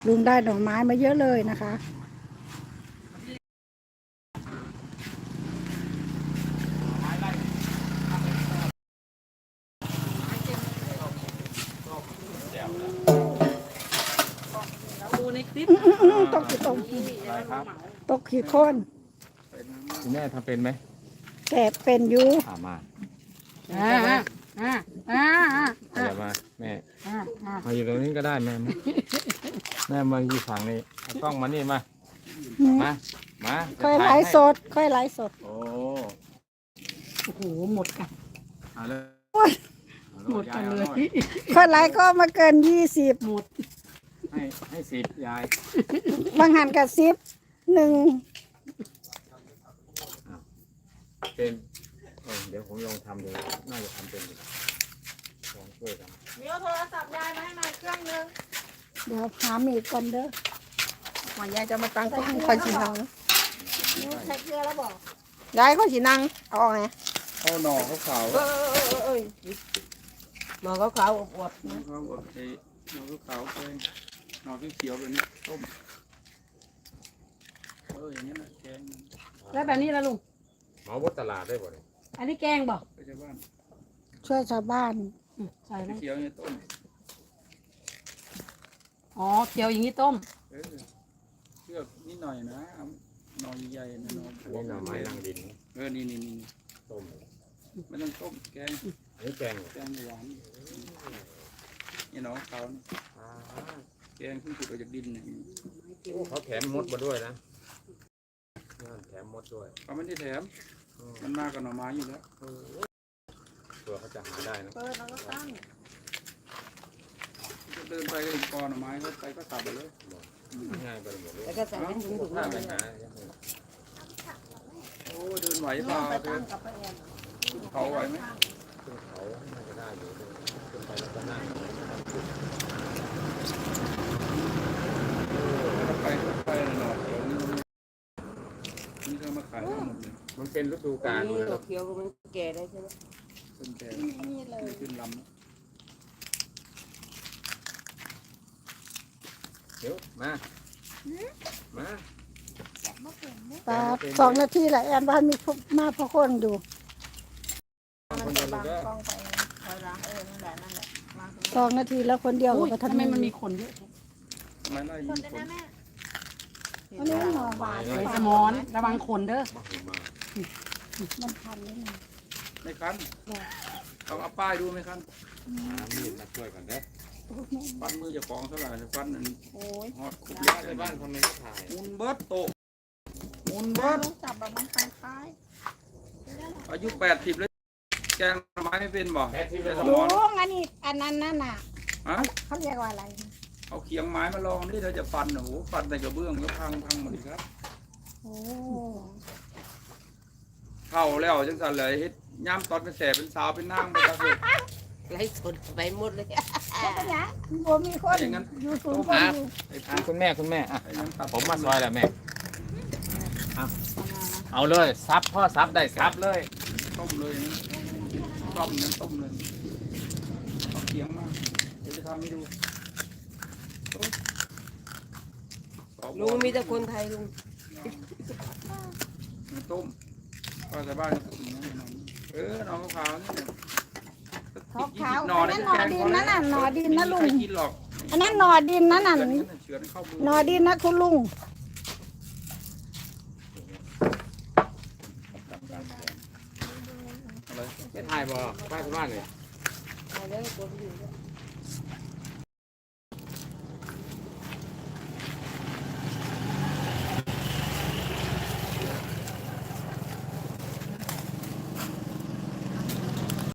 ลุงได้ดอกไม้มาเยอะเลยนะคะดูในคลิปตกกี่ตกอะไรครับตกกี่คนคุณแม่ทำเป็นไหมแกะเป็นอยู่มาอ่าอย่ามาแม่มาอยู่ตรงนี้ก็ได้แม่แม่มาอยู่ฝั่งนี้เอากล้องมานี่มามาค่อยไลฟ์สดค่อยไลฟ์สดโอ้โอ้โหหมดกันเอาเลยหมดกันเลยค่อยไลฟ์ก็มาเกิน20 หมดให้10ยายบางหันกับ10 1 เป็นเดี๋ยวผมลองทำดูน่าจะทำเป็นลองช่วยกันมีเอาโทรศัพท์ยายมาให้หน่อยเครื่องนึงเดี๋ยวหามีดก่อนเด้อก่อนยายจะมาตั้งกล้องคอยฉีนังใช้เกลือแล้วบอกยายคอยฉีนังเอาออกไงเอาหน่อขาวหมอขาวๆอวบๆเขาบอกไอ้หน่อขาวๆเป็นหน่อเขียวๆแบบนี้ต้มอย่างนี้นะแกงแล้วแบบนี้ละลุงหมอวัดตลาดได้บ่เนี่ยอันนี้แกงบ่ไปชาวบ้านช่วยชาวบ้านใส่แล้วเขียวเนี่ยต้มอ๋อเคี่ยวอย่างนี้ต้มเชือกนิดหน่อยนะหน่อใหญ่ๆนะหน่อนี่หน่อไม้รังดินนี่ต้มไม่ต้องต้มแกงอันนี้แกงหวานนี่หน่อเขาแกงเพิ่งขุดออกจากดินเนี่ยเขาแถมมดมาด้วยนะแถมมดด้วยเขาไม่ได้แถมมันมากกับหน่อไม้อยู่แล้วตัวเขาจะหาได้นะเปิดแล้วก็ตั้งเดินไปก็ถึงกอหน่อไม้ก็ไปก็ตัดไปเลยง่ายไปหมดเลยแล้วก็ใส่เป็นถุงถ้าไปหาโอ้เดินไหวเปล่าเดินเขาไหวไหมขึ้นเขาน่าจะได้อยู่ขึ้นไปแล้วก็นั่งไปหน่อยเดี๋ยวนี่ก็มาขายทั้งหมดเลยมันเป็นฤดูกาลเลยเคี่ยวมันแก่ได้ใช่ไหมต้นแก่ขึ้นลำเดี๋ยวมาตา2 นาทีแหละแอนบ้านมีมาพอคนอยู่คนเดียวเลย 2 นาทีแล้วคนเดียวอุ้ยก็ทำไมมันมีคนเยอะไม่ไล่ยิงคนอันนี้หน่อหวานไอ้สมอนระวังคนเด้อมันพันนิดนึงไม่คันต้องเอาป้ายดูไหมคันมีดมาช่วยกันเด้ฟันมือจะกองเท่าไหร่ฟันอันฮอดคุบเล็กในบ้านทำไมก็ถ่ายมุนเบิร์ตโตมุนเบิร์ตจับแบบมันคล้ายอายุ80แล้วแกงไม้ไม่เป็นบ่แต่สๆมอนลุงอันนี้อันนั้นน่ะฮะเขาเรียกว่าอะไรเอาเขียงไม้มาลองนี่เธอจะฟันโอ้โหฟันแต่กระเบื้องแล้วพังหมดเลยครับโอ้เข้าแล้วจังสันเลยเฮ็ดย่ำตอนเป็นแสบเป็นสาวเป็นนางไปครับเลยไล่สดไปหมดเลยแล้วก็ยังบ่มีคนอยู่สูงคนอยู่ไอ้คุณแม่อ่ะไอ้นั้นตัดผมมาซอยแล้วแม่เอาเลยซับพ่อซับได้ซับเลยต้มเลยนะต้มนั้นต้มเลยเอาเขียงมาเดี๋ยวจะทำให้ดูลุงมีแต่คนไทยลุงต้มก็ชาวบ้านก็กินนะน้องขาวนี่ขาวๆอันนั้นหนอดินนั่นน่ะหนอดินนะลุงกินหรอกอันนั้นหนอดินนั่นน่ะเฉือนเข้ามือหนอดินนะคุณลุงอะไรไม่ถ่ายบ่ป้าที่บ้านเลยไปเลยตัวอยู่